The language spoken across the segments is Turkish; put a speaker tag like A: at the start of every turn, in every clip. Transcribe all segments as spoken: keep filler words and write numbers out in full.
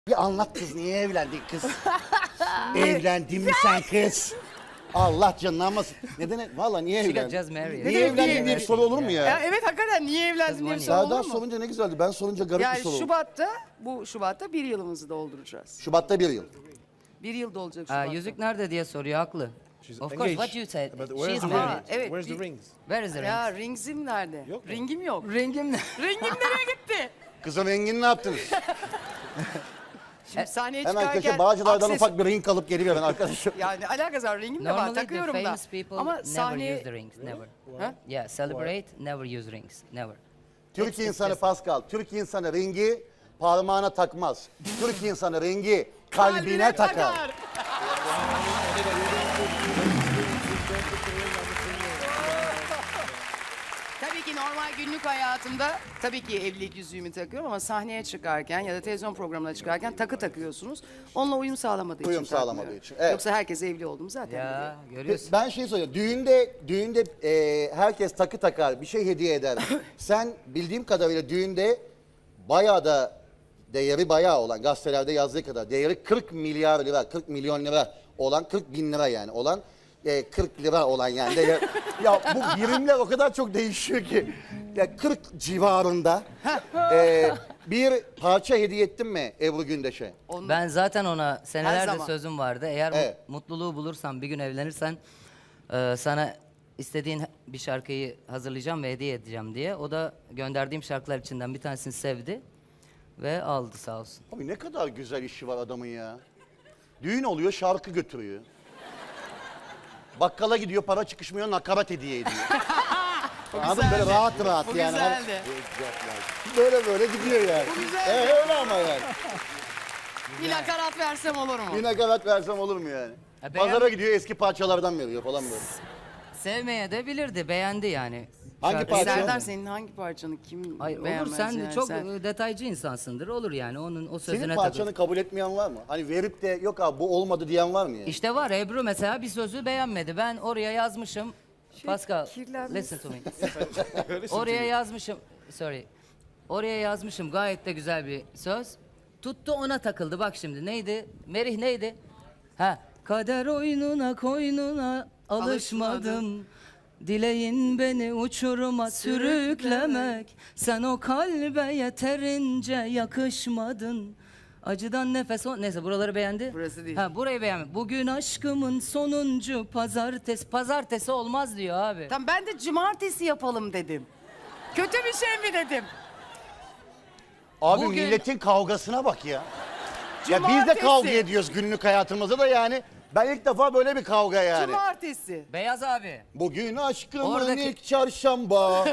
A: Bir anlat kız, niye evlendin kız? Evlendin mi sen kız? Allah canını almasın. Neden? Valla niye
B: She got
A: evlendin?
B: just married.
A: Niye evlendin diye bir soru olur mu
C: Ya
A: ya?
C: evet hakikaten niye evlendin diye bir soru olur
A: Serdar
C: mu?
A: sorunca ne güzeldi. Ben sorunca garip bir
C: Yani
A: soru oldu.
C: Şubat'ta, bu Şubat'ta bir yılımızı dolduracağız.
A: Şubat'ta bir yıl.
C: Bir yıl dolacak
B: Aa,
C: Şubat'ta.
B: yüzük nerede diye soruyor, haklı.
D: She's
B: Of course,
D: engaged.
B: what you said.
D: But
B: She
D: where's
B: is
D: the
B: married.
D: ring?
C: Evet,
D: Where's the
C: bir-
D: rings?
B: Where is the ring?
C: Ya ringsim nerede?
D: Yok mu?
C: Ringim yok.
B: Ringim ne?
C: Ringim nereye gitti?
A: Kızın rengini ne yaptınız?
C: Şimdi sahneye
A: Hemen
C: çıkarken...
A: köşe Bağcılar'dan
C: akses-
A: ufak bir ring alıp geliver ben arkadaşım.
C: Yani alakası var, ringim de var,
B: Normally the
C: takıyorum da.
B: famous people
C: Ama
B: never
C: sahneye...
B: use the rings, never.
C: Ha?
B: Yeah, celebrate, never use rings, never.
A: Türk insanı Pascal, Türk insanı ringi parmağına takmaz. Türk insanı ringi kalbine takar.
C: Tabii ki normal günlük hayatımda tabii ki evlilik yüzüğümü takıyorum ama sahneye çıkarken ya da televizyon programına çıkarken takı takıyorsunuz. Onunla uyum sağlamadığı
A: Uyum
C: için
A: sağlamadığı
C: takmıyorum.
A: için, evet.
C: Yoksa herkes evli oldum zaten.
B: Ya, görüyorsun.
A: Ben şey soruyorum. Düğünde düğünde e, herkes takı takar, bir şey hediye eder. Sen bildiğim kadarıyla düğünde bayağı da değeri bayağı olan, gazetelerde yazdığı kadar değeri kırk milyar lira, kırk milyon lira olan, kırk bin lira yani olan, e, kırk lira olan yani. Değer, ya bu birimler o kadar çok değişiyor ki. Ya kırk civarında e, bir parça hediye ettin mi Ebru Gündeş'e?
C: Onu-
B: Ben zaten ona senelerdir
C: zaman.
B: sözüm vardı. Eğer
A: Evet.
B: mutluluğu bulursan, bir gün evlenirsen e, sana istediğin bir şarkıyı hazırlayacağım ve hediye edeceğim diye. O da gönderdiğim şarkılar içinden bir tanesini sevdi ve aldı sağ olsun.
A: Abi ne kadar güzel işi var adamın ya. Düğün oluyor, şarkı götürüyor. Bakkala gidiyor, para çıkışmıyor, nakarat hediye ediyor. Anladın mı? Böyle
C: güzeldi.
A: rahat rahat
C: Bu
A: yani. Hani
C: güzeldi.
A: böyle böyle gidiyor yani.
C: Bu güzeldi.
A: Evet öyle ama yani.
C: Bir nakarat versem olur mu?
A: Bir nakarat versem olur mu yani?
B: Ha, beğen-
A: Pazara gidiyor, eski parçalardan veriyor falan böyle.
B: Sevmeye de bilirdi, beğendi yani.
A: Hangi
B: Şarkı-
A: parça?
C: Serdar senin hangi parçanı kim
B: Hayır, olur,
C: beğenmez
B: sen
C: yani?
B: çok
C: Sen-
B: e, detaycı insansındır, olur yani onun o sözüne
A: Senin
B: takıl.
A: parçanı kabul etmeyen var mı? Hani verip de yok abi bu olmadı diyen var mı yani?
B: İşte var, Ebru mesela bir sözü beğenmedi. Ben oraya yazmışım. Pascal,
C: kirlenmiş.
B: listen to me. Oraya yazmışım, sorry. Oraya yazmışım gayet de güzel bir söz. Tuttu ona takıldı, bak şimdi neydi? Merih neydi? Ha, kader oyununa koynuna alışmadım. Dileğin beni uçuruma sürüklemek. Sen o kalbe yeterince yakışmadın. Acıdan nefes o... Neyse buraları beğendi.
C: Burası değil.
B: Ha, burayı beğenmedi. Bugün aşkımın sonuncu pazartesi. Pazartesi olmaz diyor abi.
C: Tamam ben de cumartesi yapalım dedim. Kötü bir şey mi dedim?
A: Abi
B: Bugün-
A: milletin kavgasına bak ya. Ya biz de
C: Cumartesi.
A: kavga ediyoruz günlük hayatımızda da yani. Ben ilk defa böyle bir kavga yani.
C: Cumartesi.
B: Beyaz abi.
A: Bugün aşkımın
B: Oradaki-
A: ilk çarşamba.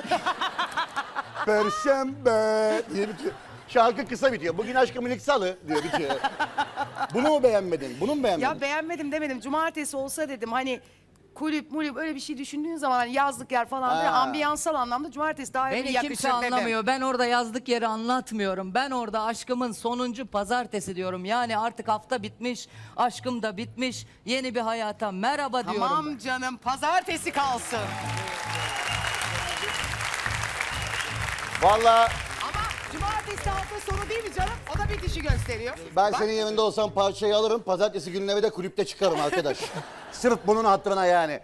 A: Perşembe diye bitiyor. Şarkı kısa bitiyor. Bugün aşkımın ilk salı diyor bitiyor. Bunu mu beğenmedin? Bunu mu beğenmedin?
C: Ya beğenmedim demedim. Cumartesi olsa dedim hani kulüp mulüp öyle bir şey düşündüğün zaman hani yazlık yer falan filan,
A: Ha.
C: ambiyansal anlamda cumartesi daha iyi
B: Beni
C: yakışır
B: kimse
C: dedim.
B: anlamıyor. Ben orada yazdık yeri anlatmıyorum. Ben orada aşkımın sonuncu pazartesi diyorum. Yani artık hafta bitmiş, aşkım da bitmiş. Yeni bir hayata merhaba diyorum.
C: Tamam canım pazartesi kalsın.
A: Vallahi
C: Ama cumartesi hafta sonu değil mi canım? O da bitişi gösteriyor.
A: ben
C: Bak,
A: senin yerinde olsam parçayı alırım. Pazartesi günleri de kulüpte çıkarım arkadaş. Sırf bunun hatırına yani.